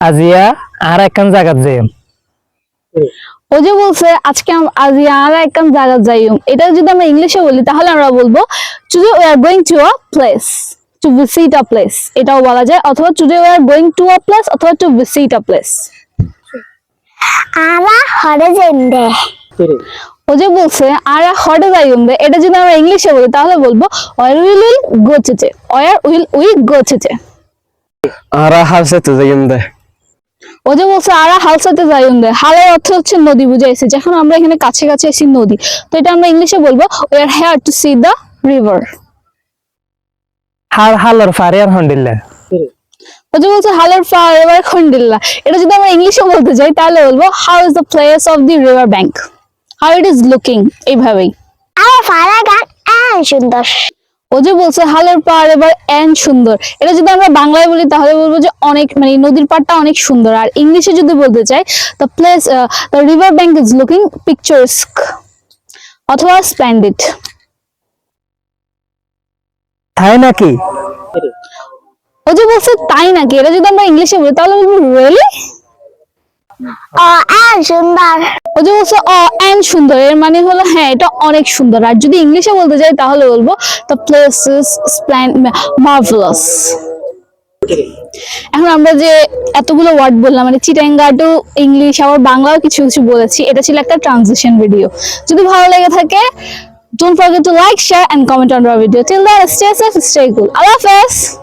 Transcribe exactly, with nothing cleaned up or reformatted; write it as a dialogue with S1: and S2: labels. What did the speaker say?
S1: আজিয়া আর একখান জায়গা যাইম।
S2: ও যে বলছে আজকে আজিয়া আর একখান জায়গা যাইম, এটা যদি আমরা ইংলিশে বলি তাহলে আমরা বলবো today we are going to a place, to visit a place, এটাও বলা যায়। অথবা today we are going to a place অথবা টু ভিজিট আ প্লেস।
S3: আরা হরে জেন্দে।
S2: ও যে বলছে আরা হরে যাইম দে, এটা যদি আমরা ইংলিশে বলি তাহলে বলবো we're will will go today, we're will we go today.
S1: আরা হালসাতে যাইম দে।
S2: ও যে বলছে আরা হালসাতে যাইম দে, হালের অর্থ হচ্ছে নদী বুঝাইছে, যখন আমরা এখানে কাছে কাছে এসি নদী, তো এটা আমরা ইংলিশে বলবো we are here to see the river.
S1: হাল হালর ফারে আর হন্ডিল্লা।
S2: ও যে বলছে হালের ফার এবার খন্ডিল্লা, এটা যদি আমরা ইংলিশে বলতে যাই তাহলে বলবো how is the place of the river bank, how it is looking, এইভাবেই।
S3: আরে ফারা গান এন সুন্দর।
S2: ও যে বলছে হালের পাড় এবার এন সুন্দর, এটা যদি আমরা বাংলায় বলি তাহলে বলবো যে অনেক, মানে নদীর পাড়টা অনেক সুন্দর। আর ইংলিশে যদি বলতে চাই the place the river bank is looking picturesque অথবা স্প্লেন্ডিড।
S1: তাই নাকি?
S2: ও যে বলছে তাই নাকি, এটা যদি আমরা ইংলিশে বলি তাহলে বলবো রিয়েলি।
S3: ও এন সুন্দর।
S2: ও যে বলছে অ এন সুন্দর, এর মানে হলো হ্যাঁ এটা অনেক সুন্দর। আর যদি ইংলিশে বলতে যাই তাহলে বলবো দ্য প্লেস ইজ মার্ভেলাস। এখন আমরা যে এতগুলো ওয়ার্ড বললাম, মানে চিটাঙ্গা টু ইংলিশ আবার বাংলাও কিছু কিছু বলেছি, এটা ছিল একটা ট্রানজিশন ভিডিও। যদি ভালো লেগে থাকে don't forget to like, share and comment on our video. Till then, stay safe, stay cool. Allah Hafiz.